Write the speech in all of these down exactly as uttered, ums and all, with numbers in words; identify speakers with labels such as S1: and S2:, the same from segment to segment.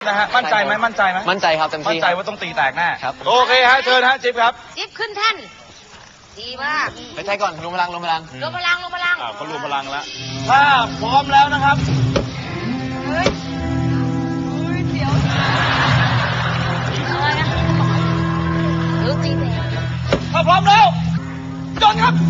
S1: นะฮะมั่นใจไหมมั่นใจไหม
S2: มั่นใจครับเต็มที่
S1: มั่นใจว่าต้องตีแตกแน่
S2: ครับ
S1: โอเคฮะเชิญฮะจิ๊บครับ
S3: จิ๊บขึ้นแท่นดีมาก
S2: ไปใช้ก่อนรวมพลังรวมพลัง
S3: รวมพลังรวมพลัง
S1: อ่าเขารวมพลังแล้วถ้าพร้อมแล้วนะครับ
S3: เฮ้ยเฮ้ยเดี๋ยวอะไรนะหรือตีแตก
S1: ถ้าพร้อมแล้วจนครับ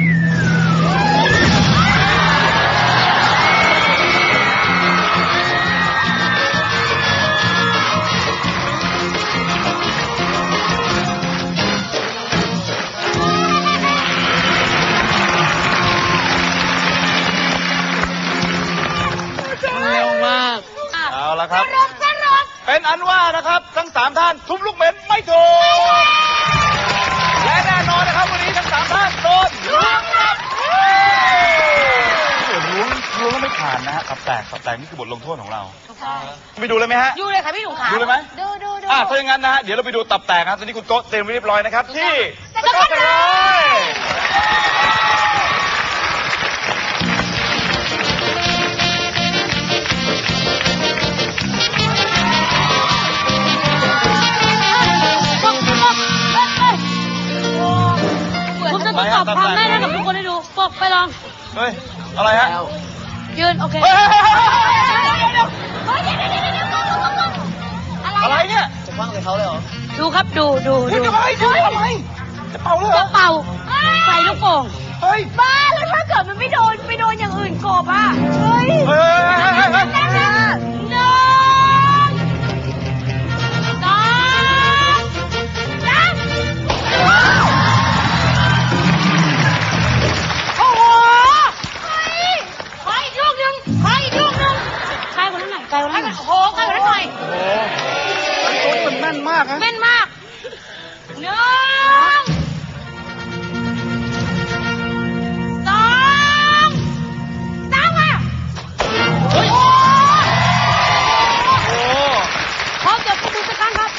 S1: เอาละครับเป็นอันว่านะครับทั้งสามท่านทุบลูกเหม็นไม่ถูกและแน่นอนนะครับวันนี้ทั้งสามท่านโดนล้วงครับล้วงล้วงแล้วไม่ผ่านนะฮะตับแตกตับแตกนี่คือบทลงโทษของเราไปดูเลยไหมฮะ
S3: ดูเลยค่ะพี่หนุ่มขา
S1: ดูเลยไหม
S3: ดูดูดู
S1: อ่ะถ้าอย่างนั้นนะฮะเดี๋ยวเราไปดูตับแตกครับตอนนี้คุณโต๊ะเต็มเรียบร้อยนะครับที่สกอตไลน์
S3: ผมจะทดสอบความแม่นให้กับทุกคนให้ดูปกไปลอง
S1: เฮ้ยอะไรฮะ
S3: ยืนโอเค
S1: อะไรเนี่ย
S2: จะคว้างใส่เขาเลยเหรอ
S3: ดูครับดูดู
S1: ดูจะไปดูทำไมจะเป่าเลย
S3: จะเป่าใส่ลูกโป่ง
S1: เฮ้ย
S3: บ้าแล้วถ้าเกิดมันไม่โดนไม่โดนอย่างอื่นกบอ่ะเฮ้ย
S1: เฮ้ยเฮ้ยเฮ้ย
S3: หนึ่งสองสามโอ้โหขออีกลูกหนึ่งขออีกลูกหนึ่งใกล้กว่านั้นหน่อยใกล้กว่านั้นหน่อยโอ้โหใกล้กว่านั้นหน่อย
S1: โอ้โหมันแม่นมากนะ
S3: แม่นมากหนึ่งสองสามอ่ะโอ้โหพร้อมจบผู้จัดการครับ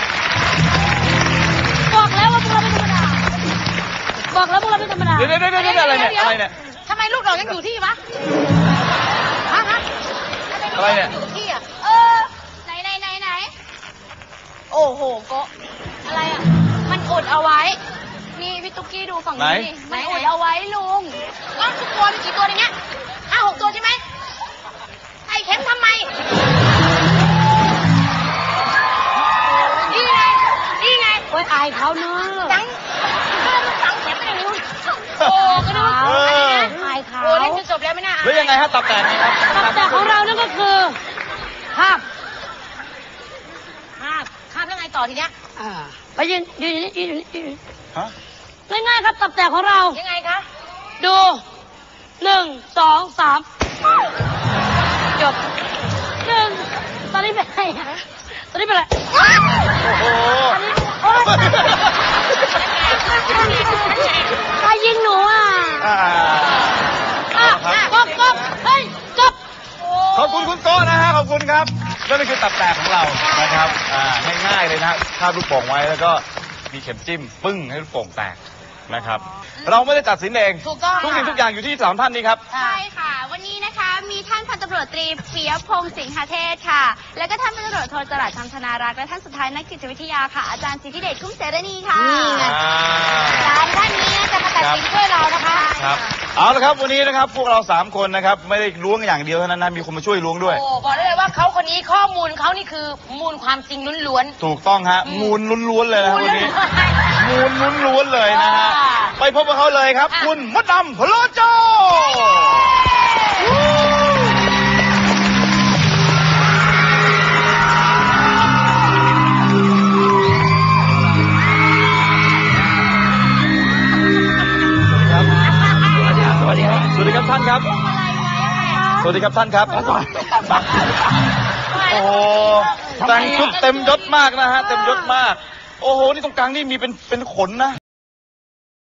S3: บอกแล้วว่าพวกเราไม่ธรรมดาบอกแล้วพวกเราไม่ธรรมดา
S1: เดี๋ยวเดี๋ยวเดี๋ยวอะไรเนี่ยอะไรเนี่ย
S3: ทำไมลูกเรายังอยู่ที่วะฮะฮะ
S1: อะไรเนี่ย
S3: อยู่ที่อ่ะเออไหนไหนไหนไหนโอ้โหโกอะไรอ่ะมันอดเอาไว้นี่พี่ตุ๊กกี้ดูฝั่งนี้ดิมันอดเอาไว้ลุงก็ทุกตัวมีกี่ตัวในเนี้ยห้าหกตัวใช่ไหมไอ้เข็มทำไมนี่ไงนี่ไงโอ้ยอายเขาเนอะจังจังเข็มไม่ได้รู้โอ้ก็ดูอายเขาโอ้เล่นจนจบแล้วไม่น่าอาย
S1: แล้วยังไงฮะตับแตกครับ
S3: ตับแตกของเรานั่นก็คือภาพภาพภาพแล้วไงต่อทีเนี้ยไปยืนยืนยืนยืนฮะง่ายๆครับตับแตกของเรายังไงคะดูหนึ่งสองสามจบหนึ่งตอนนี้เป็นไงตอนนี้เป็นอะไรโอ้โหใครยิงหนูอ่ะกบกบเฮ้ยกบ
S1: ขอบคุณคุณโก้นะฮะขอบคุณครับนั่นคือตับแตกของเรานะครับง่ายๆเลยนะคาบลูกโป่งไว้แล้วก็มีเข็มจิ้มปึ้งให้ลูกโป่งแตกนะครับเราไม่ได้ตัดสินเองทุกสิ่งทุกอย่างอยู่ที่สามท่านนี้ครับ
S4: ใช่ค่ะวันนี้นะคะมีท่านพันตำรวจตรีปิยพงษ์สิงหเทศค่ะแล้วก็ท่านพันตำรวจโทจรัสธรรมธนารักษ์และท่านสุดท้ายนักจิตวิทยาค่ะอาจารย์สิทธิเดชคุ้มเสรณีค่ะ
S3: นี่ไง
S4: สามท่านนี้จะมาตัดสินด้วยเรานะคะ
S1: ครับเอาละครับวันนี้นะครับพวกเราสามคนนะครับไม่ได้ล้วงอย่างเดียวเท่านั้นนะมีคนมาช่วยล้วงด้วย
S3: โอ้บอกได้เลยว่าเขาคนนี้ข้อมูลเขานี่คือมูลความจริงล้วน
S1: ๆถูกต้องฮะมูลล้วนๆเลยนะวันนี้มูลล้วนๆเลยนะฮะไปพบกับเขาเลยครับคุณมดดำพโลโจสวัสดีครับสวัสดีครับท่านครับสวัสดีครับท่านครับโอ้โหแต่งชุดเต็มยศมากนะฮะเต็มยศมากโอ้โหนี่ตรงกลางนี่มีเป็นเป็นขนนะ